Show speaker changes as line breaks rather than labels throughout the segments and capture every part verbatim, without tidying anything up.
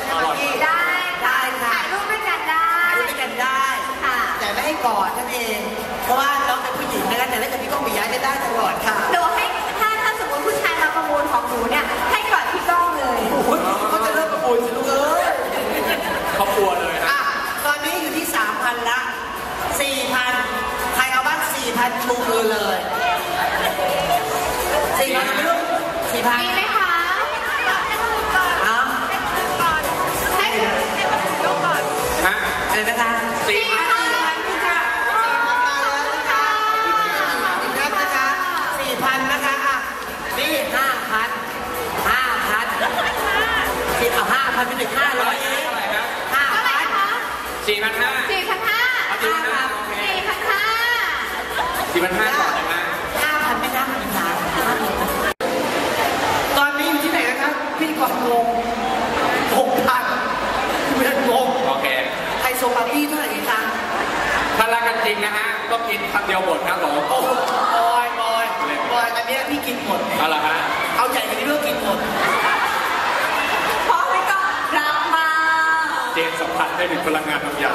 ใช่ไหมพี่
ได้
ได้ค่ะ
ถ่ายรูปด้วยกันได้
ถ่ายรูปด้วยกันได้
ค่ะ
แต่ไม่ให้กอดนั่นเองเพราะว่าน้องเป็นผู้หญิงนะคะแต่เล่นกับพี่ก้องปิยะไม่ได้ตลอดค่ะ
หนูให้ถ้าถ้าสมมติผู้ชายมาประมูลของหนูเนี่ยให้กอดพี่ก้องเลย
โอ้โหเขาจะเริ่มประมูลสิลูกเอ้ย
เขากลัวเลย
อ่ะตอนนี้อยู่ที่สามพันละสี่พันใครเอาบ้างสี่พันชูมือเลยสี่พันไหมลูกสี่พัน
มีไหมคะ
อ๋อ
ให้ให้มาถึงยกก่อน
ฮะ
อะไรนะคะ
สี่พัน
สี่พันนะคะอ่ะนี่ห้าพันห้าพันสี่เอาห้าพันเป็นหนึ่งห้าร้อยเองห้าพัน
สี่พันห้า
สี่พันห้าสี่พันห้าสี่พันห้า
สี่พันห้าก่อนนะ
ห้าพันไม่นับหนึ่งล้านตอนนี้อยู่ที่ไหนนะครับพี่ก่อนงงหกพันเพื่อนงง
โอเค
ไฮโซปาร์ตี้เท่าไหร่คะ
ถ้ารักกันจริงนะฮะก็กินคำเดียวหมดครับผม
โอ้บอยบอยบอยอันนี้พี่กินหมด
เอาละฮะ
เอาใหญ่กว่านี้ด้วยกินหมด
เพราะพี่ก้องรักมาก
เจนสัมผัสได้ถึงพลังงานบางอย่าง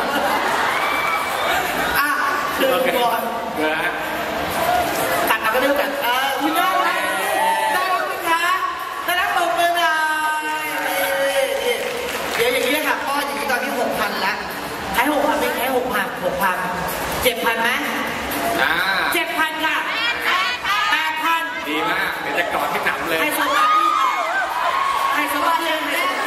อ่ะเดินบอล
นะ
ตัดเอาก็ได้กันเออคุณน้องได้ได้รับไหมคะได้รับตบมือหน่อยเดี๋ยวอย่างนี้ค่ะพ่ออย่างนี้ตอนนี้หกพันละให้หกพันไม่ให้หกพันหกพันเจ็ดพันไหม
อ่า
เจ็ดพันค่ะแปดพัน
ดีมากเดี๋ยวจะกอดที่หนำเลย
ให้สวัสดีให้สวัสดี